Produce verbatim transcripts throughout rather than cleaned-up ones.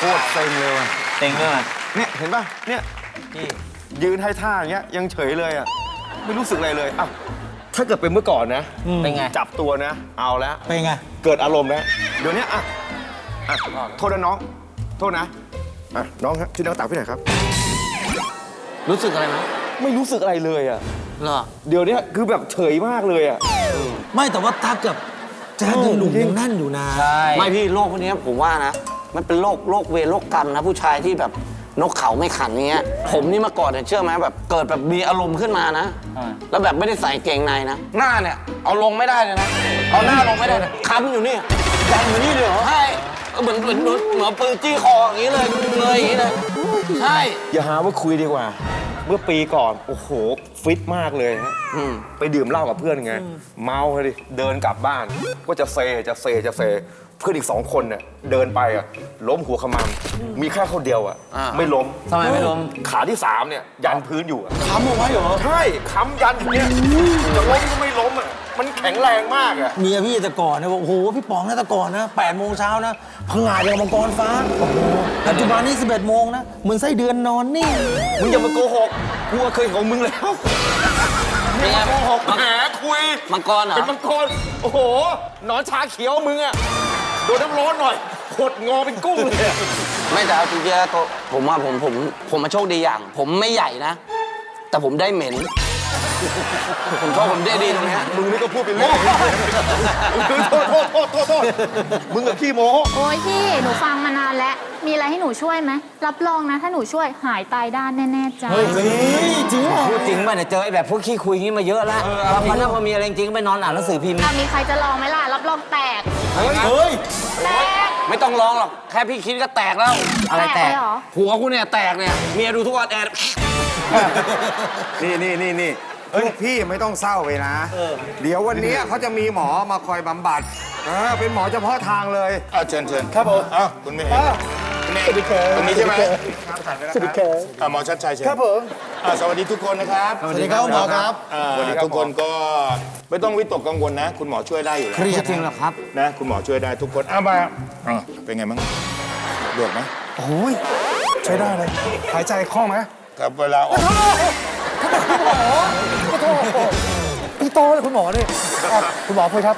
ตรเซ็งเลยว่ะเซ็งเลยเนี่ยเห็นป่ะเนี่ยยืนให้ท่าอย่างเงี้ยยังเฉยเลยอ่ะไม่รู้สึกอะไรเลยอ่ะถ้าเกิดเป็นเมื่อก่อนนะเป็นไงจับตัวนะเอาแล้วเป็นไงเกิดอารมณ์แล้วเดี๋ยวนี้อ่ะอ่ะโทษนะน้องโทษนะอ่ะน้องครับช่วยน้องตักพี่หน่อยครับรู้สึกอะไรไหมไม่รู้สึกอะไรเลยอ่ะเหรอเดี๋ยวนี้คือแบบเฉยมากเลยอ่ะไม่แต่ว่าถ้าเกิดแจ๊ดยังหนุ่มยังแน่นอยู่นะใช่ไม่พี่โรคพวกนี้ผมว่านะมันเป็นโรคโรคเวรโรคกรรมนะผู้ชายที่แบบนกเขาไม่ขันเงี้ยผมนี่มาก่อนเนี่ยเชื่อไหมแบบเกิดแบบมีอารมณ์ขึ้นมานะแล้วแบบไม่ได้ใส่เกงในนะหน้าเนี่ยเอาลงไม่ได้เลยนะเอาหน้าลงไม่ได้นะค้ำอยู่นี่แดงอยู่นี่เลยเหรอใช่เหมือนเหมือนเหมือนปืนจี้คออย่างนี้เลยเลยอย่างนี้เลยใช่อย่าหาว่าคุยดีกว่าเมื่อปีก่อนโอ้โหฟิตมากเลยฮะไปดื่มเหล้ากับเพื่อนไงเมาเลยเดินกลับบ้านก็จะเซจะเซจะเซเพื่อนอีกสองคนเนี่ยเดินไปอ่ะล้มหัวขมำมีแค่คนเดียวอ่ะไม่ล้มทำไมไม่ล้มขาที่สามเนี่ยยันพื้นอยู่ค้ำเอาไว้เหรอใช่ค้ำยันอยู่เนี่ยจะล้มก็ไม่ล้มอ่ะมันแข็งแรงมากอ่ะเมียพี่แต่ก่อนเนี่ยบอกโอ้โหพี่ป๋องนะแต่ก่อนนะแปดโมงเช้านะพังงาดอย่างมังกรฟ้าโอ้โหปัจจุบันนี่สิบเอ็ดโมงนะเหมือนไส้เดือนนอนนี่มึงอย่ามาโกหกกูเคยของมึงแล้วเป็นไงโกหกแหมคุยมังกรเหรอเป็นมังกรโอ้โหนอนชาเขียวมึงอ่ะโดนน้ำร้อนหน่อยขดงอเป็นกุ้งเลยไม่แต่เอาจริงๆแล้วผมว่าผมผมผมมาโชคดีอย่างผมไม่ใหญ่นะแต่ผมได้เหม็นผมชอบผมได้ดีตรงนี้มึงนี่ก็พูดเป็นเล่นโทษโทษโทษโทษโทษมึงกับขี้โม้โอ้ยพี่หนูฟังมานานแล้วมีอะไรให้หนูช่วยไหมรับรองนะถ้าหนูช่วยหายตายด้านแน่ๆจ้าเฮ้ยจริงเหรอพูดจริงป่ะเนี่ยเจอไอ้แบบพวกขี้คุยงี้มาเยอะแล้วพอมันพอมีอะไรจริงไปนอนอ่านหนังสือพิมพ์มีใครจะลองไหมล่ะรับรองแตกเฮ้ยแตกไม่ต้องลองหรอกแค่พี่คิดก็แตกแล้วอะไรแตกหัวกูเนี่ยแตกเนี่ยเมียดูทุกวันแอดนี่นี่นี่นี่พี่ไม่ต้องเศร้าไปนะเดี๋ยววันนี้เขาจะมีหมอมาคอยบำบัดเป็นหมอเฉพาะทางเลยอ้าวเชิญเชิญครับผมอ้าวคุณเมย์คุณเมย์ตรงนี้ใช่ไหมสวัสดีครับอ่าหมอชัดชัยเชิญครับผมอ่าสวัสดีทุกคนนะครับสวัสดีครับหมอครับทุกคนก็ไม่ต้องวิตกกังวลนะ คุณหมอช่วยได้อยู่แล้วจริงหรอครับนะคุณหมอช่วยได้ทุกคนอ้ามาเป็นไงบ้างดวดไหมโอ้ยใช้ได้เลยหายใจคล่องไหมกับเวลาออกคุณหมอขอโทษพี่โตเลยคุณหมอนี่คุณหมอคุยครับ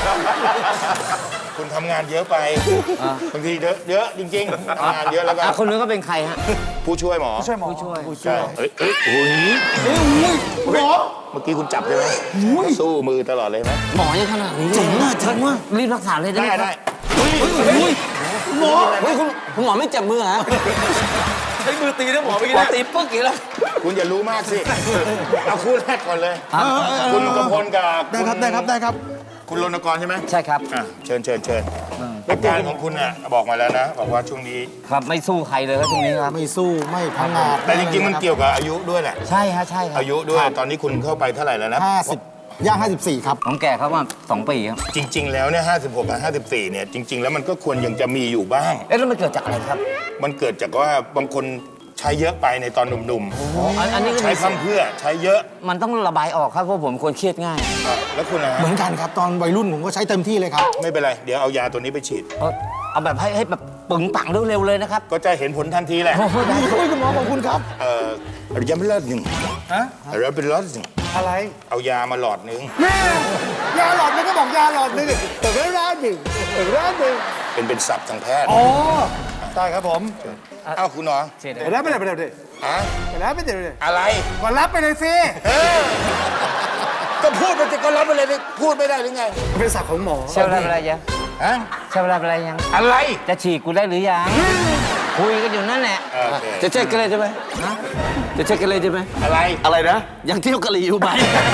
คุณทำงานเยอะไปบางทีเยอะเยอะจริงๆทำงานเยอะแล้วก็คนนู้นก็เป็นใครฮะผู้ช่วยหมอผู้ช่วยหมอผู้ช่วยผู้ช่วยเฮ้ยเฮ้ยโอ้ยเฮ้ยหมอเมื่อกี้คุณจับใช่ไหมสู้มือตลอดเลยไหมหมอยังขนาดนี้เจ๋งมากเจ๋งมากรีบรักษาเลยได้ได้ได้หมอเฮ้ยคุณคุณหมอไม่เจ็บมือฮะใช้มือตีนะหมอเมื่อกี้ตีปึ๊กอีกแล้วคุณอย่ารู้มากสิเอาคู่แรกก่อนเลยคุณกำพลกับได้ครับได้ครับได้ครับคุณรณกรใช่ไหมใช่ครับเชิญเชิญเชิญรายการของคุณอ่ะบอกมาแล้วนะบอกว่าช่วงนี้ครับไม่สู้ใครเลยก็ช่วงนี้ครับไม่สู้ไม่พังงาดแต่จริงๆมันเกี่ยวกับอายุด้วยแหละใช่ฮะใช่ครับอายุด้วยตอนนี้คุณเข้าไปเท่าไหร่แล้วนะห้าสิบย่างห้าสิบสี่ครับน้องแก่เขามาสองปีครับจริงๆแล้วเนี่ยห้าสิบหกกับห้าสิบสี่เนี่ยจริงๆแล้วมันก็ควรยังจะมีอยู่บ้างเอ๊ะแล้วมันเกิดจากอะไรครับมันเกิดจากว่าบางคนใช้เยอะไปในตอนหนุ่มๆอันนี้ใช้คำเพื่อใช้เยอะมันต้องระบายออกครับเพราะผมคนเครียดง่ายแล้วคุณนะเหมือนกันครับตอนวัยรุ่นผมก็ใช้เต็มที่เลยครับไม่เป็นไรเดี๋ยวเอายาตัวนี้ไปฉีดเอาแบบให้ให้แบบปึงปังเร็วๆเลยนะครับก็จะเห็นผลทันทีแหละโอ้ยคุณหมอขอบคุณครับเอ่อยังไม่เลิศหนึ่งฮะอะไรเป็นเลิศหนึ่งอะไรเอายามาหลอดนึงแม่ยาหลอดนึงก็บอกยาหลอดนึงแต่ไม่ร้านหนึ่งแต่ร้านหนึ่งเป็นเป็นศัพท์ทางแพทย์อ๋อได้ครับผมเอ้าคุณหมอไปแล้วไปเลยไปเลยฮะไปแล้วไปเลยอะไรก็รับไปเลยสิก็พูดไปจะก็รับไปเลยพูดไม่ได้หรือไงเป็นศัพท์ของหมอเชื่ออะไรยังฮะเชื่ออะไรยังอะไรจะฉีกกูได้หรือยังคุยกันอยู่นั่นแหละจะเช็คกันเลยใช่ไหมจะเช็คกันเลยใช่ไหมอะไรอะไรนะยังเที่ยวกะหรี่อยู่ไหม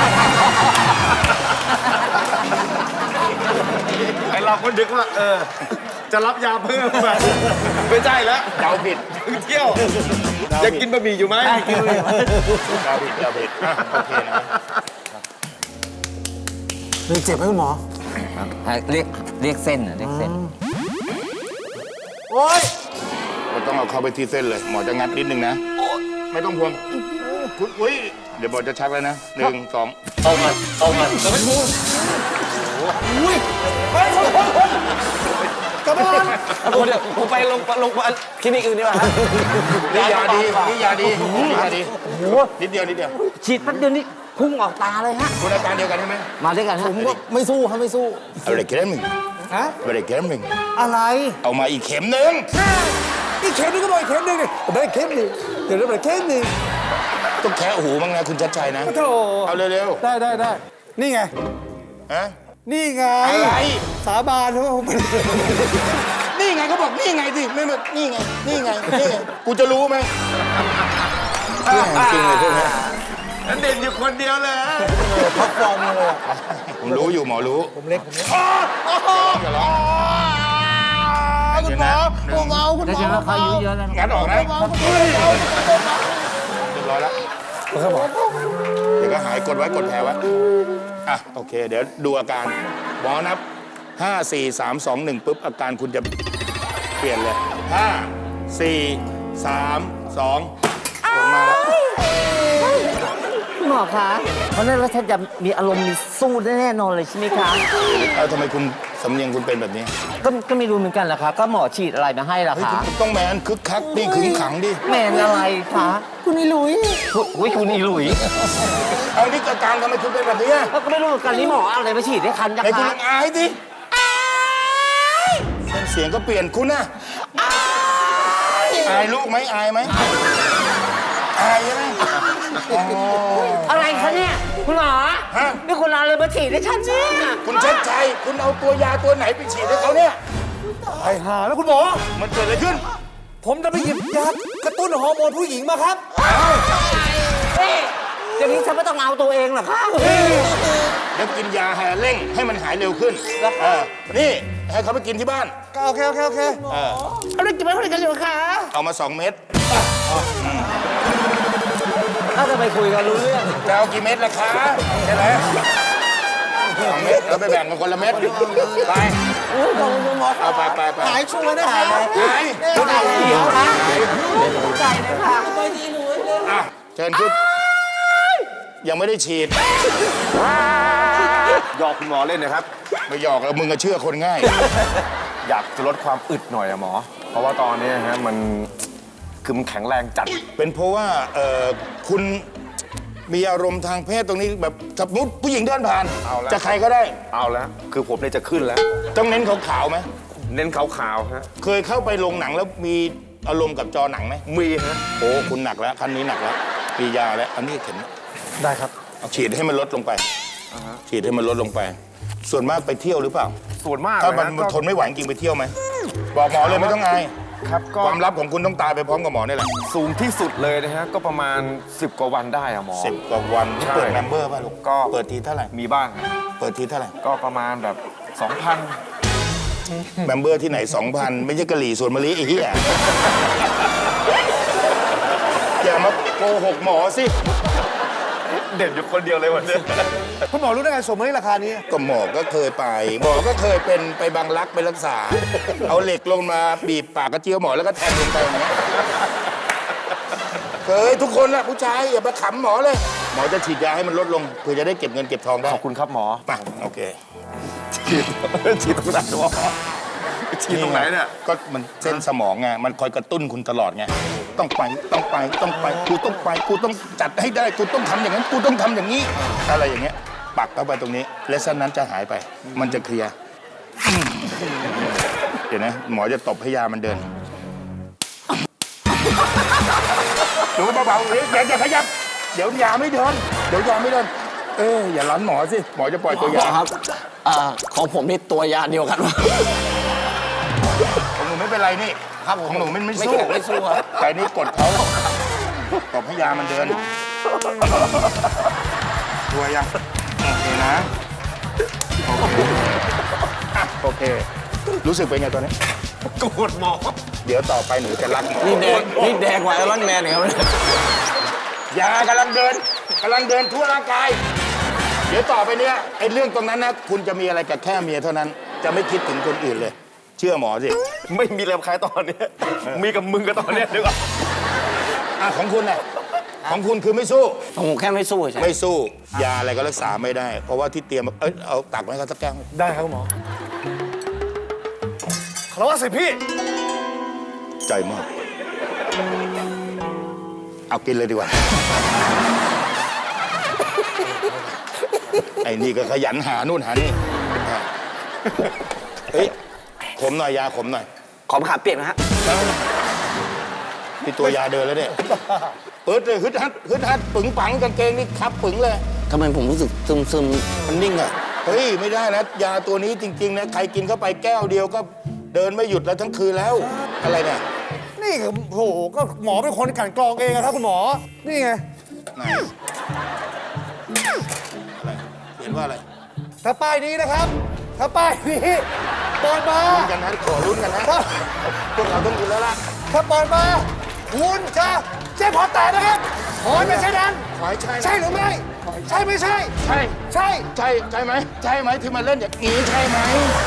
ไอเราก็นึกว่าเออจะรับยาเพิ่มมาไม่ใช่แล้วเดาผิดเที่ยวจะกินบะหมี่อยู่ไหมกินบะหมี่เดาผิดเดาผิดโอเคนะเลยเจ็บไหมคุณหมอเรียกเรียกเส้นเรียกเส้นโอ๊ยเราต้องเอาเข้าไปที่เส้นเลยหมอจะงัดนิดนึงนะไม่ต้องห่วงคุณอุ้ยเดี๋ยวหมอจะชักแล้วนะหนึ่งสองเอามาเอามาจะไม่พูดอุ้ยไปคนคนคนกระบอนเดี๋ยวผมไปลงลงคลินิกอื่นดีกว่านี่ยาดีนี่ยาดีนี่ยาดีนิดเดียวนิดเดียวฉีดแป๊บเดียวนี่พุ่งออกตาเลยฮะคุณอาการเดียวกันใช่ไหมมาด้วยกันฮะผมก็ไม่สู้ครับไม่สู้เอาเลยเข็มหนึ่งฮะเอาเลยเข็มหนึ่งอะไรเอามาอีกเข็มหนึ่งอีกเข็มนึงก็บอกอีกเข็มนึงดิได้เข็มนึงเดี๋ยวได้เข็มนึงต้องแคะหูบ้างนะคุณชัดชัยนะโธ่เอาเร็วได้ได้ได้นี่ไงๆฮะนี่ไงอะไรสาบานว่าผมนี่ไงเขาบอกนี่ไงสิไม่มานี่ไงนี่ไงนี่ไงกูจะรู้ไหมจริงเลยพวกนี้เด่นอยู่คนเดียวเลยพักฟอร์มเลยอะผมรู้อยู่หมอรู้ผมเล็กผมเล็กอย่าร้องคุณหมอผมเอาคุณหได้มเจออแล้วเขาอายุเยอะแล้วนะงัดออกนะเรียบร้อยแล้วครับหมอเดี๋ยวก็หายกดไว้กดแผลไว้อ่ะโอเค เดี๋ยวดูอาการหมอนับห้า สี่ สาม สอง หนึ่งปุ๊บอาการคุณจะเปลี่ยนเลยห้า สี่ สาม สองผลมาแล้วคุณหมอคะเพราะนั้นแล้วท่านจะมีอารมณ์มีสู้แน่นอนเลยใช่ไหมคะเอ้าทำไมคุณสำเนียงคุณเป็นแบบนี้ก็ก็ไม่รู้เหมือนกันแหละค่ะก็หมอฉีดอะไรมาให้ล่ะเฮ้ยคะคุณต้องแมนคึกคักดิขึงขังดิแมนอะไรคะคุณนี่ลุยอุ้ยคุณอีหลุยเอานี่อาการทำไมคุณเป็นแบบนี้ก็ไม่รู้เหมือนกันนี่หมอเอาอะไรมาฉีดให้คันนะไอ้คุณคะลองอายดิเสียงก็เปลี่ยนคุณนะอายลูกไหมอายไหมอายใช่ไหมอ๋ออะไรคะเนี่ยคุณหมอฮะนี่คุณเอาอะไรมาฉีดให้ฉันเนี่ยคุณชัดชัยคุณเอาตัวยาตัวไหนไปฉีดให้เขาเนี่ยไอ้ห่าแล้วคุณหมอมันเกิดอะไรขึ้นผมจะไปหยิบยากระตุ้นฮอร์โมนผู้หญิงมาครับเอ๊ะอย่างนี้ฉันไม่ต้องเอาตัวเองเหรอคะเดี๋ยวกินยาแห่เร่งให้มันหายเร็วขึ้นเออนี่ให้เขาไปกินที่บ้านโอเคโอเคโอเคเออเอาเรื่องกินไปคนเดียวกันอยู่คะเอามาสองเม็ดถ้าจะไปคุยกันรู้เรื่องจะเอากี่เม็ดล่ะคะใช่ไหมสองเม็ดเราไปแบ่งกันคนละเม็ดไปโอ้ยขอบคุณหมอเอาไปไปไปหายชัวร์นะหายหายเดี๋ยวคะใจเลยค่ะอ่ะเชิญขึ้นยังไม่ได้ฉีดหยอกคุณหมอเล่นนะครับไม่หยอกแล้วมึงก็เชื่อคนง่ายอยากจะลดความอึดหน่อยอะหมอ เพราะว่าตอนนี้ฮะมันคือมันแข็งแรงจัดเป็นเพราะว่าเอ่อคุณมีอารมณ์ทางเพศตรงนี้แบบสมมติผู้หญิงเดินผ่านเอาละจะใครก็ได้เอาแล้ว คือผมเนี่ยจะขึ้นแล้วต้องเน้นขาวๆไหมเน้นขาวๆฮะเคยเข้าไปโรงหนังแล้วมีอารมณ์กับจอหนังไหมมีฮะโอ้คุณหนักแล้วคันนี้หนักแล้วมียาแล้วอันนี้เข็มได้ครับฉีดให้มันลดลงไปฉีดให้มันลดลงไป ส่วนมากไปเที่ยวหรือเปล่าส่วนมากถ้ามันเลยะทนไม่ไหวจริงไปเที่ยวไหมบอกหมอเลยไม่ต้องอายครับก็ความลับของคุณต้องตายไปพร้อมกับหมอนี่แหละสูงที่สุดเลยนะฮะ ก็ประมาณสิบกว่าวันได้อะหมอสิบกว่าวันใช่เปิดเมมเบอร์ป่ะลูกก็เปิดทีเท่าไหร่มีบ้างฮะเปิดทีเท่าไหร่ก็ประมาณแบบ สองพันเมมเบอร์ที่ไหน สองพัน ไม่ใช่กะหรี่ส่วนมะลิไอ้เหี้ยอย่ามาโกหกหมอสิเด่นอยู่คนเดียวเลยวันนี้คุณหมอรู้ได้ไงสมมติราคานี้ก็หมอก็เคยไป หมอก็เคยเป็นไปบางรักไปรักษา เอาเหล็กลงมาบีบปากกระเจียวหมอแล้วก็แทงลงไปอย่างเงี้ยเคยทุกคนแหละผู้ชายอย่าไปขำหมอเลย หมอจะฉีดยาให้มันลดลงเพื่อจะได้เก็บเงินเก็บทองได้ขอบคุณครับหมอมาโอเคฉีด ฉีดตรงไหนหมอฉีดตรงไหนเนี่ยก็มันเส้นสมองไงมันคอยกระตุ้นคุณตลอดไงต้องไปต้องไปต้องไปกูต้องไปกูต้องจัดให้ได้กูต้องทำอย่างนั้นกูต้องทำอย่างนี้ อะไรอย่างเงี้ยปักเข้าไปตรงนี้และเส้นนั้นจะหายไป มันจะเคลียร์เดี๋ยวนะหมอจะตบให้ยามันเดินดูเบาๆเลยอย่าอย่าขยับเดี๋ยวยาไม่เดินเดี๋ยวยาไม่เดินเอออย่าลันหมอสิหมอจะปล่อยตัวยาครับอ่าของผมนี่ตัวยาเดียวกันของหนูไม่เป็นไรนี่ครับของหนูมันไม่ไม่สู้เกี่ยวไม่สู้ครับแต่นี่กดเขาตบให้ยามันเดินตัวยัง โอเคนะ โอเคอ่ะโอเค รู้สึกเป็นไงตอนนี้โกรธหมอเดี๋ยวต่อไปหนูจะรักหมอนี่แดงนี่แดงกว่าไอรอนแมนอีกครับยากำลังเดินกำลังเดินทั่วร่างกาย เดี๋ยวต่อไปเนี้ยไอ้เรื่องตรงนั้นนะคุณจะมีอะไรกับแค่เมียเท่านั้น จะไม่คิดถึงคนอื่นเลย เชื่อหมอสิไม่มีแรงใครตอนนี้ มีกับมึงกับตอนเนี้ยดีกว่าอ่ะของคุณน่ะของคุณคือไม่สู้ผมแค่ไม่สู้ใช่ไม่สู้ ยาอะไรก็รักษาไม่ได้ เพราะว่าที่เตรียมเอ้ยเอาตักมาให้เขาสักแก้วได้ครับคุณหมอคารวะสิพี่คใจมาก เอากินเลยดีกว่า ไอ้นี่ก็ขยันหานู่นหานี่เฮ้ย ขมหน่อยยาขมหน่อยขอมะขามเปียกนะฮะที่ตัวยาเดินแล้วเนี่ยเปิดเลยฮึดฮัดฮึดฮัดปึงปังกางเกงนี่คับปึงเลยทำไมผมรู้สึกซึมซึมมันนิ่งอ่ะ เฮ้ย ไม่ได้นะ ยาตัวนี้จริง ๆ นะ ใครกินเข้าไปแก้วเดียวก็เดินไม่หยุดแล้วทั้งคืนแล้ว อะไรเนี่ยนี่คือโอ้โหก็หมอเป็นคนกลั่นกรองเองอะครับคุณหมอ นี่ไงไหน อะไรเขียนว่าอะไรถ้าป้ายนี้นะครับ ถ้าป้ายนี้เปิดมาลุ้นกันนะ ขอลุ้นกันนะถ้าพวกเราต้องกินแล้วล่ะถ้าเปิดมาคุณจะเจ๊พอแตกนะครับขอให้ไม่ใช่นั้นขอให้ใช่นะใช่หรือไม่ ใช่ไม่ใช่ใช่ใช่ใช่ใช่ไหมใช่ไหมที่มาเล่นอย่างนี้ใช่ไหม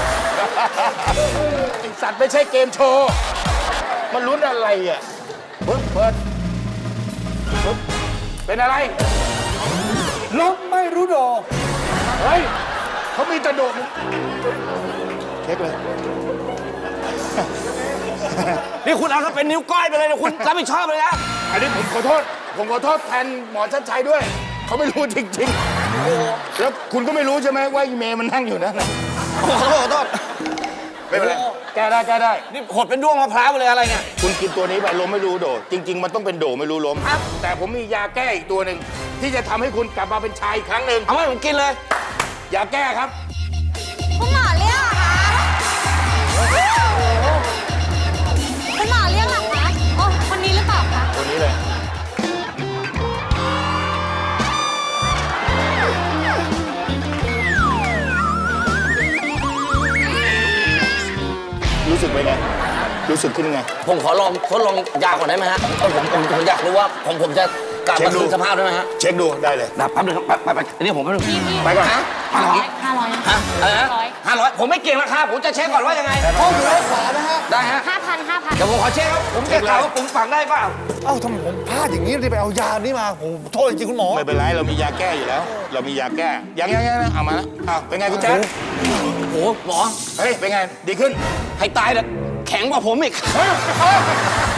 ไอสัตว์ไม่ใช่เกมโชว์มันลุ้นอะไรอ่ะปึ๊บเปิดปึ๊บเป็นอะไรลบไม่รู้ดอกเฮ้ยเขามีแตะโดดเช็คเลยนี่คุณเอาถ้าเป็นนิ้วก้อยไปเลยนะคุณรับผิดชอบเลยนะอันนี้ผมขอโทษ ผมขอโทษแทนหมอชัดชัยด้วย เขาไม่รู้จริงๆแล้วคุณก็ไม่รู้ใช่ไหมว่าอีเมย์มันนั่งอยู่นั่นน่ะขอโทษขอโทษไม่เป็นไรแก้ได้แก้ได้นี่หดเป็นด้วงมะพร้าวไปเลยอะไรเนี่ยคุณกินตัวนี้ไปล้มไม่รู้โดดจริง ๆ มันต้องเป็นโดไม่รู้ล้มแต่ผมมียาแก้อีกตัวหนึ่งที่จะทำให้คุณกลับมาเป็นชายอีกครั้งหนึ่งเอามาให้ผมกินเลยยาแก้ครับคุณหมอเรียกเหรอคะคุณหมอเรียกเหรอคะโอ้คนนี้หรือเปล่าคะตัวนี้เลย รู้สึกไปนไง รู้สึกขึ้นยังไงผมขอลองทดลองยาก่อนได้ไหมฮะผมผมผมผมอยากรู้ว่าผมผมจะกลับเช็มาคดูคืนสภาพได้ไหมฮะเช็คดูได้เลยนะแป๊บนึงครับไปไปไปเดี๋ยวผมแป๊บนึงไปก่อนนะห้าร้อยห้าร้อยฮะอะไรนะห้าร้อยผมไม่เก่งราคาผมจะเช็คก่อนว่ายังไงห้องอยู่ด้านขวานะฮะได้ฮะห้าพันห้าพันเดี๋ยวผมขอเช็คครับผมจะถามว่าปึงปังได้เปล่าเอ้าทำไมผมพลาดอย่างนี้ที่ไปเอายานี้มาผมโทษจริงๆคุณหมอไม่เป็นไร เรามียาแก้อยู่แล้ว เรามียาแก้ ยังยังยังเอามาแล้วอ้าวเป็นไงคุณแจ๊คโอ้โหหมอเฮ้ย เป็นไง ดีขึ้นให้ตายเถอะแข็งกว่าผมอีกเฮ้ยเฮ้ย